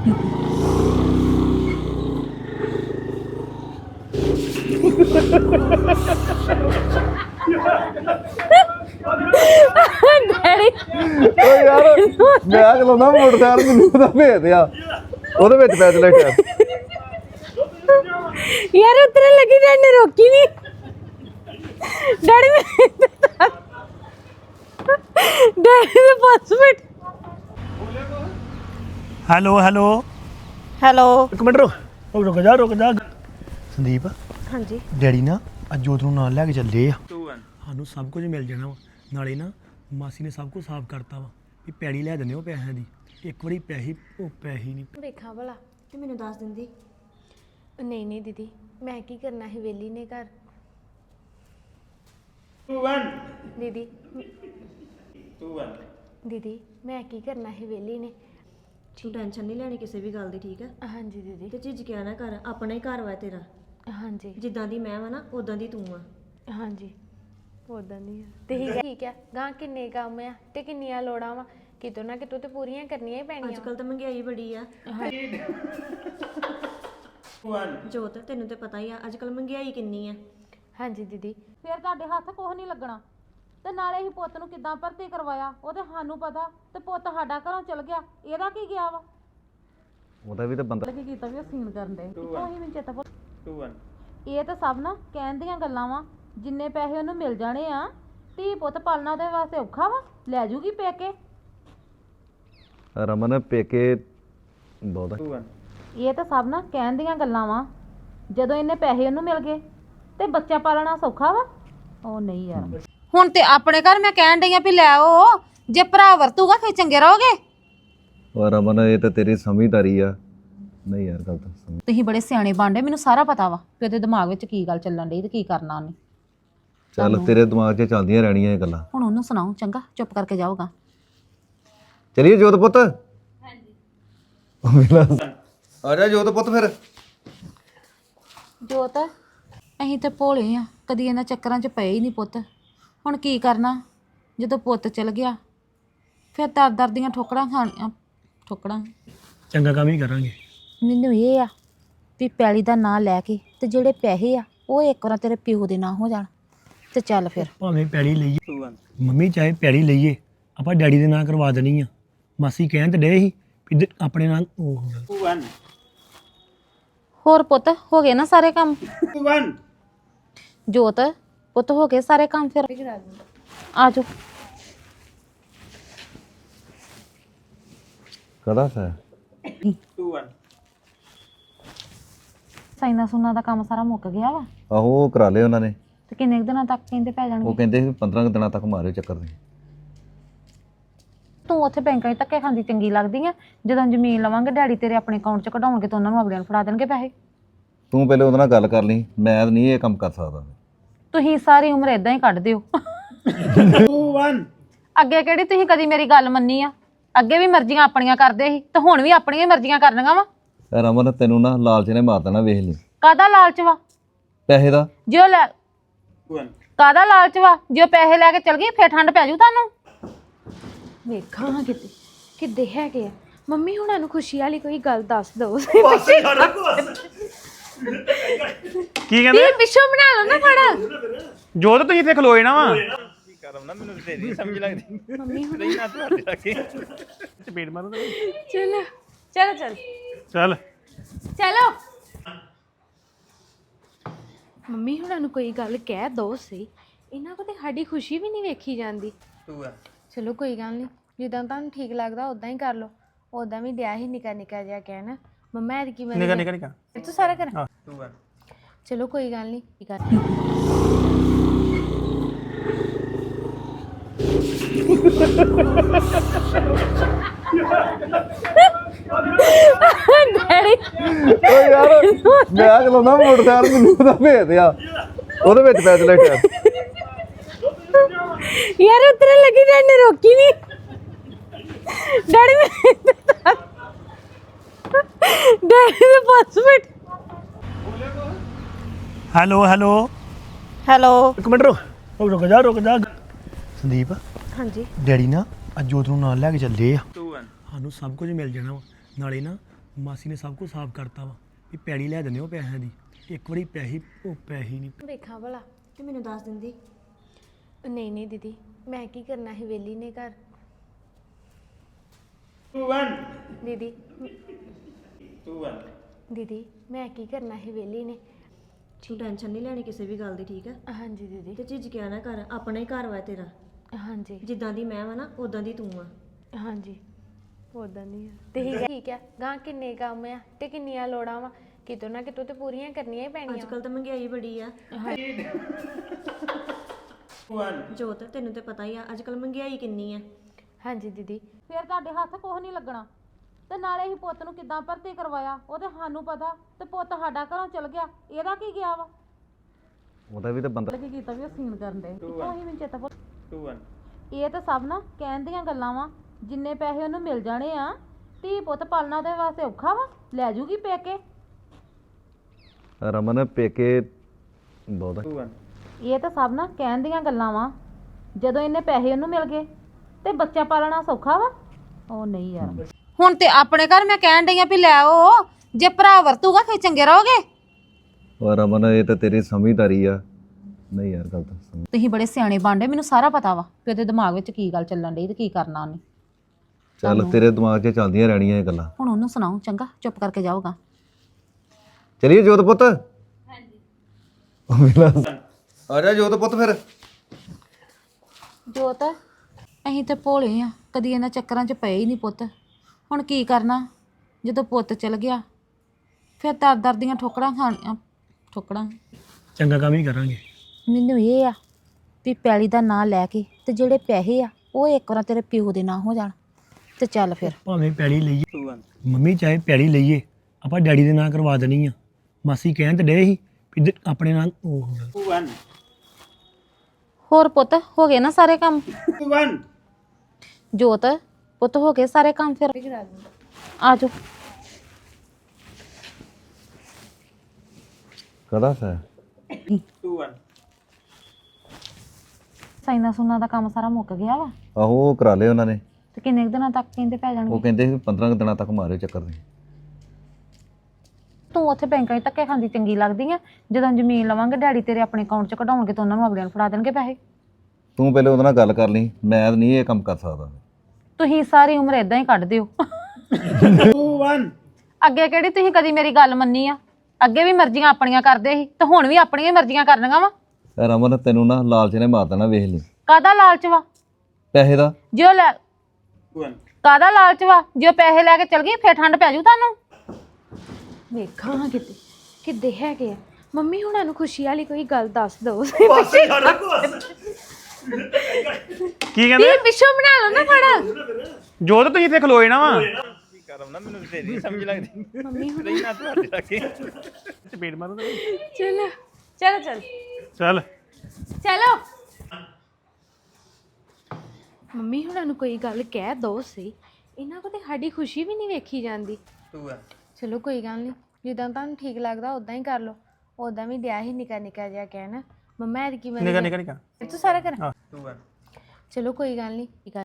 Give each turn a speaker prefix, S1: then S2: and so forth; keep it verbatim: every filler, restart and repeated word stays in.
S1: Daddy
S2: ਓ ਯਾਰ ਮੈਂ ਚਲਾਉਂਦਾ ਮੋਟਰਸਾਈਕਲ ਮੈਨੂੰ ਉਹਦਾ ਭੇਜ ਆ ਉਹਦੇ ਵਿੱਚ ਪੈਸੇ ਲੈ ਕੇ
S1: ਯਾਰ ਉਤਰਨ ਲੱਗੀ ਡੈਡੀ ਨੇ ਰੋਕੀ ਨਹੀਂ ਡੈਡੀ ਮੈਂ ਡੈਡੀ ਦੇ ਪਾਸ ਬੈਠ
S3: ਹੈਲੋ ਹੈਲੋ
S1: ਹੈਲੋ
S3: ਇੱਕ ਮਿੰਟ ਰੁਕ ਰੁਕ ਜਾ ਰੁਕ ਜਾ ਸੰਦੀਪ
S1: ਹਾਂਜੀ
S3: ਡੈਡੀ ਨਾ ਅੱਜ ਜੋਤ ਨੂੰ ਨਾਲ ਲੈ ਕੇ ਚੱਲੇ ਆ ਸਾਨੂੰ ਸਭ ਕੁਝ ਮਿਲ ਜਾਣਾ ਵਾ ਨਾਲੇ ਨਾ ਮਾਸੀ ਨੇ ਸਭ ਕੁਝ ਸਾਫ਼ ਕਰਤਾ ਵਾ ਵੀ ਪੈੜੀ ਲੈ ਦਿੰਦੇ ਉਹ ਪੈਸਿਆਂ ਦੀ ਇੱਕ ਵਾਰੀ ਪੈਸੇ ਉਹ ਪੈਸੇ ਨਹੀਂ
S1: ਵੇਖਾਂ ਭਲਾ ਤੇ ਮੈਨੂੰ ਦੱਸ ਦਿੰਦੀ ਨਹੀਂ ਨਹੀਂ ਦੀਦੀ ਮੈਂ ਕੀ ਕਰਨਾ ਹੈ ਵੇਲੀ ਨੇ ਘਰ ਦੀਦੀ ਦੀਦੀ ਮੈਂ ਕੀ ਕਰਨਾ ਹੈ ਵੇਲੀ ਨੇ
S4: ਤੂੰ ਟੈਨਸ਼ਨ ਨਹੀਂ ਲੈਣੀ ਕਿਸੇ ਵੀ ਗੱਲ ਦੀ ਠੀਕ ਹੈ
S1: ਹਾਂਜੀ ਦੀਦੀ
S4: ਤੇ ਝਿਜਕਿਆ ਨਾ ਕਰ ਆਪਣਾ ਹੀ ਘਰ ਵਾ ਤੇਰਾ
S1: ਹਾਂਜੀ
S4: ਜਿੱਦਾਂ ਦੀ ਮੈਂ ਵਾ ਨਾ ਉਦਾਂ ਦੀ ਤੂੰ ਆ
S1: ਹਾਂਜੀ ਉਦਾਂ ਨਹੀਂ ਆ ਤੇ ਠੀਕ ਆ ਗਾਂ ਕਿੰਨੇ ਕੰਮ ਆ ਤੇ ਕਿੰਨੀਆਂ ਲੋੜਾਂ ਵਾ ਕਿਤੋਂ ਨਾ ਕਿਤੋਂ ਤੇ ਪੂਰੀਆਂ ਕਰਨੀਆਂ ਹੀ ਪੈਣੀਆਂ
S4: ਅੱਜ ਕੱਲ ਤਾਂ ਮਹਿੰਗਾਈ ਬੜੀ ਆ ਜੋਤ ਤੈਨੂੰ ਤੇ ਪਤਾ ਹੀ ਆ ਅੱਜ ਕੱਲ ਮਹਿੰਗਾਈ ਕਿੰਨੀ ਆ
S1: ਹਾਂਜੀ ਦੀਦੀ
S5: ਫਿਰ ਤੁਹਾਡੇ ਹੱਥ ਕੁਝ ਨਹੀਂ ਲੱਗਣਾ ਤੇ ਨਾਲੇ ਹੀ ਪੁੱਤ ਨੂੰ ਕਿੱਦਾਂ ਭਰਤੀ ਕਰਵਾਇਆ ਉਹ ਤੇ ਸਾਨੂੰ ਪਤਾ ਤੇ ਪੁੱਤ ਸਾਡਾ ਘਰੋਂ ਚਲ ਗਿਆ ਇਹਦਾ ਕੀ ਗਿਆ ਵਾ
S2: ਉਹਦਾ ਵੀ ਤਾਂ ਬੰਦਾ
S5: ਕੀ ਕੀਤਾ ਵੀ ਸੀਨ ਕਰਨ ਦੇ ਉਹੀ ਮੈਨੂੰ ਚੇਤਾ ਭੁੱਲ ਇਹ ਤਾਂ ਸਭ ਨਾ ਕਹਿਣ ਦੀਆਂ ਗੱਲਾਂ ਵਾ ਜਿੰਨੇ ਪੈਸੇ ਉਹਨੂੰ ਮਿਲ ਜਾਣੇ ਆ ਧੀ ਪੁੱਤ ਪਾਲਣਾ ਉਹਦੇ ਵਾਸਤੇ ਔਖਾ ਵਾ ਲੈ ਜੂਗੀ ਪੇਕੇ
S2: ਰਮਨ ਪੇਕੇ ਬਹੁਤ
S5: ਇਹ ਤਾਂ ਸਭ ਨਾ ਕਹਿਣ ਦੀਆਂ ਗੱਲਾਂ ਵਾ ਜਦੋਂ ਇਹਨੇ ਪੈਸੇ ਉਹਨੂੰ ਮਿਲ ਗਏ ਤੇ ਬੱਚਾ ਪਾਲਣਾ ਸੌਖਾ ਵਾ ਉਹ ਨਹੀਂ ਯਾਰ ਹੁਣ ਤੇ ਆਪਣੇ ਘਰ ਮੈਂ ਕਹਿਣ ਡਈ ਆ ਵੀ ਲੈ ਆਓ ਜੇ ਭਰਾ ਵਰਤੂਗਾ ਫੇਰ ਚੰਗੇ ਰਹੋਗੇ
S2: ਉਹ ਰਮਨ ਇਹ ਤਾਂ ਤੇਰੀ ਸਮਝਦਾਰੀ ਆ ਨਹੀਂ ਯਾਰ ਗੱਲ ਤਾਂ ਸਮਝ
S5: ਤੁਸੀਂ ਬੜੇ ਸਿਆਣੇ ਬਣਦੇ ਮੈਨੂੰ ਸਾਰਾ ਪਤਾ ਵਾ ਕਿ ਉਹਦੇ ਦਿਮਾਗ ਵਿੱਚ ਕੀ ਗੱਲ ਚੱਲਣ ਡਈ ਤੇ ਕੀ ਕਰਨਾ ਉਹਨੇ
S2: ਚੱਲ ਤੇਰੇ ਦਿਮਾਗ 'ਚ ਚੱਲਦੀਆਂ ਰਹਿਣੀਆਂ ਇਹ ਗੱਲਾਂ
S5: ਹੁਣ ਉਹਨੂੰ ਸੁਣਾਓ ਚੰਗਾ ਚੁੱਪ ਕਰਕੇ ਜਾਓਗਾ
S2: ਚਲਿਏ ਜੋਤ ਪੁੱਤ ਹਾਂਜੀ ਆ ਜਾ ਜੋਤ ਪੁੱਤ ਫਿਰ
S5: ਜੋਤ ਅਸੀਂ ਤੇ ਭੋਲੇ ਆ ਕਦੀ ਇਹਨਾਂ ਚੱਕਰਾਂ 'ਚ ਪਏ ਹੀ ਨਹੀਂ ਪੁੱਤ ਹੁਣ ਕੀ ਕਰਨਾ ਜਦੋਂ ਪੁੱਤ ਚਲ ਗਿਆ ਫਿਰ ਦਰ ਦਰ ਦੀਆਂ ਠੋਕਰਾਂ ਖਾਣੀਆਂ ਠੋਕਰਾਂ
S3: ਚੰਗਾ ਕੰਮ ਹੀ ਕਰਾਂਗੇ
S5: ਮੈਨੂੰ ਇਹ ਆ ਵੀ ਪੈਲੀ ਦਾ ਨਾਂ ਲੈ ਕੇ ਤੇ ਜਿਹੜੇ ਪੈਸੇ ਆ ਉਹ ਇੱਕ ਵਾਰ ਤੇਰੇ ਪਿਓ ਦੇ ਨਾਂ ਹੋ ਜਾਣ ਤੇ ਚੱਲ ਫਿਰ
S3: ਭਾਵੇਂ ਪੈੜੀ ਲਈਏ ਮੰਮੀ ਚਾਹੇ ਪੈੜੀ ਲਈਏ ਆਪਾਂ ਡੈਡੀ ਦੇ ਨਾਂ ਕਰਵਾ ਦੇਣੀ ਆ ਮਾਸੀ ਕਹਿਣ ਤੇ ਡੇ ਸੀ ਵੀ ਆਪਣੇ ਨਾਂ ਉਹ
S5: ਹੋਰ ਪੁੱਤ ਹੋ ਗਏ ਨਾ ਸਾਰੇ ਕੰਮ ਜੋਤ ਪੁੱਤ ਹੋ ਗਏ ਸਾਰੇ ਕੰਮ ਫਿਰ ਆ ਜਾਓ
S2: ਕਦਾ ਸਾ
S5: ਸਾਈਨਾ ਸੁਨਾ ਦਾ ਕੰਮ ਸਾਰਾ ਮੁੱਕ ਗਿਆ ਵਾ
S2: ਆਹੋ ਉਹ ਕਰਾ ਲਿਆ ਉਹਨਾਂ ਨੇ
S5: ਤੇ ਕਿੰਨੇ ਕੁ ਦਿਨਾਂ ਤੱਕ ਕਹਿੰਦੇ ਪੈ
S2: ਉਹ
S5: ਜਾਣਗੇ
S2: ਕਹਿੰਦੇ ਸੀ ਪੰਦਰਾਂ ਕੁ ਦਿਨਾਂ ਤੱਕ ਮਾਰਿਓ ਚੱਕਰ ਦੇ
S5: ਤੂੰ ਉੱਥੇ ਬੈਂਕਾਂ 'ਚ ਧੱਕੇ ਖਾਂਦੀ ਚੰਗੀ ਲੱਗਦੀ ਆ ਜਦੋਂ ਜ਼ਮੀਨ ਲਵਾਂਗੇ ਡੈਡੀ ਤੇਰੇ ਆਪਣੇ ਅਕਾਊਂਟ 'ਚ ਕਢਾਉਣਗੇ ਤਾਂ ਉਹਨਾਂ ਨੂੰ ਅਗਲਿਆਂ ਨੂੰ ਫੜਾ ਦੇਣਗੇ ਪੈਸੇ
S2: ਤੂੰ ਪਹਿਲੇ ਉਹਦੇ ਨਾਲ ਗੱਲ ਕਰ ਲਈ ਮੈਂ ਨਹੀਂ ਇਹ ਕੰਮ ਕਰ ਸਕਦਾ
S5: ਤੁਸੀਂ ਸਾਰੀ ਉਮਰ ਇਦਾਂ ਹੀ ਕੱਢ ਦਿਓ ਅੱਗੇ ਕਿਹੜੀ ਤੁਸੀਂ ਕਦੀ ਮੇਰੀ ਗੱਲ ਮੰਨੀ ਆ ਅੱਗੇ ਵੀ ਮਰਜ਼ੀਆਂ ਆਪਣੀਆਂ ਕਰਦੇ ਸੀ ਤੇ ਹੁਣ ਵੀ ਆਪਣੀਆਂ ਹੀ ਮਰਜ਼ੀਆਂ ਕਰਨੀਆਂ ਵਾ
S2: ਰਮਨ ਤੈਨੂੰ ਨਾ ਲਾਲਚ ਨੇ ਮਾਰ ਦੇਣਾ ਵੇਖ ਲਈ
S5: ਕਾਹਦਾ ਲਾਲਚ ਵਾ
S2: ਪੈਸੇ ਦਾ
S5: ਜੋ ਲੈ ਕਾਹਦਾ ਲਾਲਚ ਵਾ ਜੋ ਪੈਸੇ ਲੈ ਕੇ ਚਲ ਗਈ ਫੇਰ ਠੰਡ ਪੈ ਜੂ ਤੁਹਾਨੂੰ
S1: ਵੇਖਾਂ ਕਿਤੇ ਕਿੱਦੇ ਹੈਗੇ ਆ ਮੰਮੀ ਹੁਣਾਂ ਨੂੰ ਖੁਸ਼ੀ ਵਾਲੀ ਕੋਈ ਗੱਲ ਦੱਸ ਦਿਓ
S6: ਕੀ ਕਹਿੰਦੇ
S1: ਪਿੱਛੋਂ ਬਣਾ ਲਓ ਨਾ ਫੜਾ
S6: ਜੋਤ ਤੁਸੀਂ ਇੱਥੇ ਖਲੋਏ ਨਾ ਵਾ ਕੀ ਕਰਾਂ ਨਾ ਮੈਨੂੰ ਤੇਰੀ ਸਮਝ ਲੱਗਦੀ
S1: ਮੰਮੀ ਹੁਣ
S6: ਨਹੀਂ ਨਾ ਤੁਹਾਡੇ ਲੱਗੇ ਚਪੇੜ ਮਾਰੋ
S1: ਚਲੋ ਚਲੋ ਚਲ
S6: ਚੱਲ
S1: ਚਲੋ ਮੰਮੀ ਹੁਣਾਂ ਨੂੰ ਕੋਈ ਗੱਲ ਕਹਿ ਦੋ ਸਹੀ ਇਹਨਾਂ ਕੋ ਤੇ ਸਾਡੀ ਖੁਸ਼ੀ ਵੀ ਨਹੀਂ ਵੇਖੀ ਜਾਂਦੀ ਚਲੋ ਕੋਈ ਗੱਲ ਨਹੀਂ ਜਿੱਦਾਂ ਤੁਹਾਨੂੰ ਠੀਕ ਲੱਗਦਾ ਉਦਾਂ ਹੀ ਕਰ ਲਓ ਉਦਾਂ ਵੀ ਦਿਆ ਹੀ ਨਿਕਾ ਨਿਕਾ ਜਿਹਾ ਕਹਿਣਾ ਮੰਮਾ ਐਦ ਕੀ
S6: ਨਿਕਾ ਨਿਕਾ ਨਿਕਾ
S1: ਤੂੰ ਸਾਰਾ ਕਰ ਚਲੋ ਕੋਈ ਗੱਲ ਨਹੀਂ ਕੀ ਕਰ ਡੈਡੀ
S2: ਓ ਯਾਰ ਮੈਂ ਚਲਾਉਂਦਾ ਮੋਟਰਸਾਈਕਲ ਮੈਨੂੰ ਉਹਦਾ ਭੇਜ ਆ ਉਹਦੇ ਵਿੱਚ ਪੈਸੇ ਲੈ ਕੇ
S1: ਯਾਰ ਉਤਰਨ ਲੱਗੀ ਡੈਡੀ ਨੇ ਰੋਕੀ ਨਹੀਂ ਡੈਡੀ ਮੈਂ ਡੈਡੀ ਦੇ ਪਾਸ ਬੈਠ
S3: ਹੈਲੋ ਹੈਲੋ
S1: ਹੈਲੋ
S3: ਇੱਕ ਮਿੰਟ ਰੁਕ ਰੁਕ ਜਾ ਰੁਕ ਜਾ ਸੰਦੀਪ
S1: ਹਾਂਜੀ
S3: ਡੈਡੀ ਨਾ ਅੱਜ ਜੋਤ ਨੂੰ ਨਾਲ ਲੈ ਕੇ ਚੱਲੇ ਆ ਸਾਨੂੰ ਸਭ ਕੁਝ ਮਿਲ ਜਾਣਾ ਵਾ ਨਾਲੇ ਨਾ ਮਾਸੀ ਨੇ ਸਭ ਕੁਝ ਸਾਫ਼ ਕਰਤਾ ਵਾ ਵੀ ਪੈੜੀ ਲੈ ਦਿੰਦੇ ਉਹ ਪੈਸਿਆਂ ਦੀ ਇੱਕ ਵਾਰੀ ਪੈਸੇ ਉਹ ਪੈਸੇ ਨਹੀਂ
S1: ਵੇਖਾਂ ਭਲਾ
S4: ਤੇ ਮੈਨੂੰ ਦੱਸ ਦਿੰਦੀ।
S1: ਨਹੀਂ ਨਹੀਂ ਦੀਦੀ ਮੈਂ ਕੀ ਕਰਨਾ ਹੈ ਵੇਲੀ ਨੇ ਘਰ ਦੀਦੀ ਦੀਦੀ ਮੈਂ ਕੀ ਕਰਨਾ ਹੈ ਵੇਲੀ ਨੇ
S4: ਤੂੰ ਟੈਨਸ਼ਨ ਨਹੀਂ ਲੈਣੀ ਕਿਸੇ ਵੀ ਗੱਲ ਦੀ, ਠੀਕ ਹੈ?
S1: ਹਾਂਜੀ ਦੀਦੀ
S4: ਤੇ ਝਿਜਕਿਆ ਨਾ ਕਰ, ਆਪਣਾ ਹੀ ਘਰ ਵਾ ਤੇਰਾ।
S1: ਹਾਂਜੀ
S4: ਜਿੱਦਾਂ ਦੀ ਮੈਂ ਵਾ ਨਾ ਉਦਾਂ ਦੀ ਤੂੰ ਆ।
S1: ਹਾਂਜੀ ਉਦਾਂ ਨਹੀਂ ਆ ਤੇ ਠੀਕ ਹੈ ਠੀਕ ਹੈ ਗਾਂ ਕਿੰਨੇ ਕੰਮ ਆ ਤੇ ਕਿੰਨੀਆਂ ਲੋੜਾਂ ਵਾ ਕਿਤੋਂ ਨਾ ਕਿਤੋਂ ਤੇ ਪੂਰੀਆਂ ਕਰਨੀਆਂ ਹੀ
S4: ਅੱਜ
S1: ਪੈਣੀਆਂ
S4: ਕੱਲ ਤਾਂ ਮਹਿੰਗਾਈ ਬੜੀ ਆ ਜੋਤ, ਤੈਨੂੰ ਤੇ ਪਤਾ ਹੀ ਆ ਅੱਜ ਕੱਲ ਮਹਿੰਗਾਈ ਕਿੰਨੀ ਆ।
S1: ਹਾਂਜੀ ਦੀਦੀ
S5: ਫਿਰ ਤੁਹਾਡੇ ਹੱਥ ਕੁਝ ਨਹੀਂ ਲੱਗਣਾ ਤੇ ਨਾਲੇ ਹੀ ਪੁੱਤ ਨੂੰ ਕਿੱਦਾਂ ਭਰਤੀ ਕਰਵਾਇਆ ਉਹ ਤੇ ਸਾਨੂੰ ਪਤਾ ਤੇ ਪੁੱਤ ਸਾਡਾ ਘਰੋਂ ਚਲ ਗਿਆ ਇਹਦਾ ਕੀ ਗਿਆ ਵਾ
S2: ਉਹਦਾ ਵੀ ਤਾਂ ਬੰਦਾ
S5: ਕੀ ਕੀਤਾ ਵੀ ਉਹ ਸੀਨ ਕਰਨ ਦੇ ਉਹੀ ਮੈਨੂੰ ਚੇਤਾ ਭੁੱਲ
S6: ਟੂ ਵਨ
S5: ਇਹ ਤਾਂ ਸਭ ਨਾ ਕਹਿਣ ਦੀਆਂ ਗੱਲਾਂ ਵਾ ਜਿੰਨੇ ਪੈਸੇ ਉਹਨੂੰ ਮਿਲ ਜਾਣੇ ਆ ਧੀ ਪੁੱਤ ਪਾਲਣਾ ਉਹਦੇ ਵਾਸਤੇ ਔਖਾ ਵਾ ਲੈ ਜੂਗੀ ਪੇਕੇ
S2: ਰਮਨ ਪੇਕੇ ਬਹੁਤ ਆ।
S6: ਟੂ ਵਨ
S5: ਇਹ ਤਾਂ ਸਭ ਨਾ ਕਹਿਣ ਦੀਆਂ ਗੱਲਾਂ ਵਾ ਜਦੋਂ ਇਹਨੇ ਪੈਸੇ ਉਹਨੂੰ ਮਿਲ ਗਏ ਤੇ ਬੱਚਾ ਪਾਲਣਾ ਸੌਖਾ ਵਾ ਉਹ ਨਹੀਂ ਯਾਰ ਹੁਣ ਤੇ ਆਪਣੇ ਘਰ ਮੈਂ ਕਹਿਣ ਡਈ ਆ ਵੀ ਲੈ ਆਓ ਜੇ ਭਰਾ ਵਰਤੂਗਾ ਫੇਰ ਚੰਗੇ ਰਹੋਗੇ
S2: ਉਹ ਰਮਨ ਇਹ ਤਾਂ ਤੇਰੀ ਸਮਝਦਾਰੀ ਆ ਨਹੀਂ ਯਾਰ ਗੱਲ ਤਾਂ ਸਮਝ
S5: ਤੁਸੀਂ ਬੜੇ ਸਿਆਣੇ ਬਾਂਡੇ ਮੈਨੂੰ ਸਾਰਾ ਪਤਾ ਵਾ ਕਿ ਉਹਦੇ ਦਿਮਾਗ ਵਿੱਚ ਕੀ ਗੱਲ ਚੱਲਣ ਡਈ ਤੇ ਕੀ ਕਰਨਾ ਉਹਨੇ
S2: ਚੱਲ ਤੇਰੇ ਦਿਮਾਗ 'ਚ ਚੱਲਦੀਆਂ ਰਹਿਣੀਆਂ ਇਹ ਗੱਲਾਂ
S5: ਹੁਣ ਉਹਨੂੰ ਸੁਣਾਓ ਚੰਗਾ ਚੁੱਪ ਕਰਕੇ ਜਾਊਗਾ
S2: ਚਲਿਏ ਜੋਤ ਪੁੱਤ ਹਾਂਜੀ ਆ ਜਾ ਜੋਤ ਪੁੱਤ ਫਿਰ
S5: ਜੋਤ ਅਸੀਂ ਤੇ ਭੋਲੇ ਆ ਕਦੀ ਇਹਨਾਂ ਚੱਕਰਾਂ 'ਚ ਪਏ ਹੀ ਨਹੀਂ ਪੁੱਤ ਹੁਣ ਕੀ ਕਰਨਾ ਜਦੋਂ ਪੁੱਤ ਚਲ ਗਿਆ ਫਿਰ ਦਰ ਦਰ ਦੀਆਂ ਠੋਕਰਾਂ ਖਾਣੀਆਂ ਠੋਕਰਾਂ
S3: ਚੰਗਾ ਕੰਮ ਹੀ ਕਰਾਂਗੇ
S5: ਮੈਨੂੰ ਇਹ ਆ ਵੀ ਪੈਲੀ ਦਾ ਨਾਂ ਲੈ ਕੇ ਤੇ ਜਿਹੜੇ ਪੈਸੇ ਆ ਉਹ ਇੱਕ ਵਾਰ ਤੇਰੇ ਪਿਓ ਦੇ ਨਾਂ ਹੋ ਜਾਣ ਤੇ ਚੱਲ ਫਿਰ
S3: ਭਾਵੇਂ ਪੈੜੀ ਲਈਏ
S6: ਟੂ ਵਨ
S3: ਮੰਮੀ ਚਾਹੇ ਪੈੜੀ ਲਈਏ ਆਪਾਂ ਡੈਡੀ ਦੇ ਨਾਂ ਕਰਵਾ ਦੇਣੀ ਆ ਮਾਸੀ ਕਹਿਣ ਤੇ ਡੇ ਸੀ ਵੀ ਦ- ਆਪਣੇ ਨਾਲ ਉਹ
S6: ਟੂ ਵਨ
S5: ਹੋਰ ਪੁੱਤ ਹੋ ਗਏ ਨਾ ਸਾਰੇ ਕੰਮ
S6: ਟੂ ਵਨ
S5: ਜੋਤ ਪੁੱਤ ਹੋ ਗਏ ਸਾਰੇ ਕੰਮ ਫਿਰ ਆ ਜਾਓ
S2: ਕਦਾ ਸਾ
S6: ਟੂ ਵਨ
S5: ਸਾਈਨਾ ਸੁਨਾ ਦਾ ਕੰਮ ਸਾਰਾ ਮੁੱਕ ਗਿਆ ਵਾ
S2: ਆਹੋ ਉਹ ਕਰਾ ਲਏ ਉਹਨਾਂ ਨੇ
S5: ਤੇ ਕਿੰਨੇ ਕੁ ਦਿਨਾਂ ਤੱਕ ਕਹਿੰਦੇ ਪੈ
S2: ਉਹ
S5: ਜਾਣਗੇ
S2: ਕਹਿੰਦੇ ਸੀ ਪੰਦਰਾਂ ਕੁ ਦਿਨਾਂ ਤੱਕ ਮਾਰਿਓ ਚੱਕਰ ਦੇ
S5: ਤੂੰ ਉੱਥੇ ਬੈਂਕਾਂ 'ਚ ਧੱਕੇ ਖਾਂਦੀ ਚੰਗੀ ਲੱਗਦੀ ਆ ਜਦੋਂ ਜ਼ਮੀਨ ਲਵਾਂਗੇ ਡੈਡੀ ਤੇਰੇ ਆਪਣੇ ਅਕਾਊਂਟ 'ਚ ਕਢਾਉਣਗੇ ਤਾਂ ਉਹਨਾਂ ਨੂੰ ਅਗਲਿਆਂ ਨੂੰ ਫੜਾ ਦੇਣਗੇ ਪੈਸੇ
S2: ਤੂੰ ਪਹਿਲੇ ਉਹਦੇ ਨਾਲ ਗੱਲ ਕਰ ਲਈ ਮੈਂ ਨਹੀਂ ਇਹ ਕੰਮ ਕਰ ਸਕਦਾ
S5: ਤੁਸੀਂ ਸਾਰੀ ਉਮਰ ਇਦਾਂ ਹੀ ਕੱਢ ਦਿਓ
S6: ਟੂ ਵਨ
S5: ਅੱਗੇ ਕਿਹੜੀ ਤੁਸੀਂ ਕਦੀ ਮੇਰੀ ਗੱਲ ਮੰਨੀ ਆ ਅੱਗੇ ਵੀ ਮਰਜ਼ੀਆਂ ਆਪਣੀਆਂ ਕਰਦੇ ਸੀ ਤੇ ਹੁਣ ਵੀ ਆਪਣੀਆਂ ਹੀ ਮਰਜ਼ੀਆਂ ਕਰਨੀਆਂ ਵਾ
S2: ਰਮਨ ਤੈਨੂੰ ਨਾ ਲਾਲਚ ਨੇ ਮਾਰ ਦੇਣਾ ਵੇਖ ਲਈ
S5: ਕਾਹਦਾ ਲਾਲਚ ਵਾ
S2: ਪੈਸੇ ਦਾ
S5: ਜੇ ਉਹ ਲੈ
S6: ਟੂ ਵਨ
S5: ਕਾਹਦਾ ਲਾਲਚ ਵਾ ਜੇ ਉਹ ਪੈਸੇ ਲੈ ਕੇ ਚਲ ਗਈ ਫੇਰ ਠੰਡ ਪੈ ਜੂ ਤੁਹਾਨੂੰ
S1: ਵੇਖਾਂ ਹਾਂ ਕਿਤੇ ਕਿੱਦੇ ਹੈਗੇ ਆ ਮੰਮੀ ਹੁਣਾਂ ਨੂੰ ਖੁਸ਼ੀ ਵਾਲੀ ਕੋਈ ਗੱਲ ਦੱਸ ਦਿਓ
S6: ਕੀ ਕਹਿੰਦੇ
S1: ਤੇ ਪਿੱਛੋਂ ਬਣਾ ਲਓ ਨਾ ਫੜਾ
S6: ਜੋ ਤਾਂ ਤੁਸੀਂ ਇੱਥੇ ਖਲੋਏ ਨਾ ਵਾ ਕੀ ਕਰਮ ਨਾ ਮੈਨੂੰ ਤੇ ਨਹੀਂ ਸਮਝ ਲੱਗਦੀ
S1: ਮੰਮੀ ਹੁਣ
S6: ਨਹੀਂ ਨਾ ਤੁਹਾਡੇ ਲੱਗੇ ਚਪੇੜ ਮਾਰੋ ਤਾਂ
S1: ਚਲੋ ਚਲੋ ਚਲ
S6: ਚੱਲ
S1: ਚਲੋ ਮੰਮੀ ਹੁਣਾਂ ਨੂੰ ਕੋਈ ਗੱਲ ਕਹਿ ਦੋ ਸੀ ਇਹਨਾਂ ਕੋ ਤੇ ਸਾਡੀ ਖੁਸ਼ੀ ਵੀ ਨਹੀਂ ਵੇਖੀ ਜਾਂਦੀ
S6: ਟੂ ਵਨ
S1: ਚਲੋ ਕੋਈ ਗੱਲ ਨਹੀਂ ਜਿੱਦਾਂ ਤੁਹਾਨੂੰ ਠੀਕ ਲੱਗਦਾ ਉਦਾਂ ਹੀ ਕਰ ਲਓ ਉਦਾਂ ਵੀ ਦਿਆ ਹੀ ਨਿਕਾ ਨਿਕਾ ਜਿਹਾ ਕਹਿਣਾ ਮੰਮਾ ਐਦ ਕੀ ਮੈਂ
S6: ਨਿਕਾ ਨਿਕਾ ਨਿਕਾ
S1: ਤੂੰ ਸਾਰਾ ਕਰ
S6: ਟੂ ਵਨ
S1: ਚਲੋ ਕੋਈ ਗੱਲ ਨਹੀਂ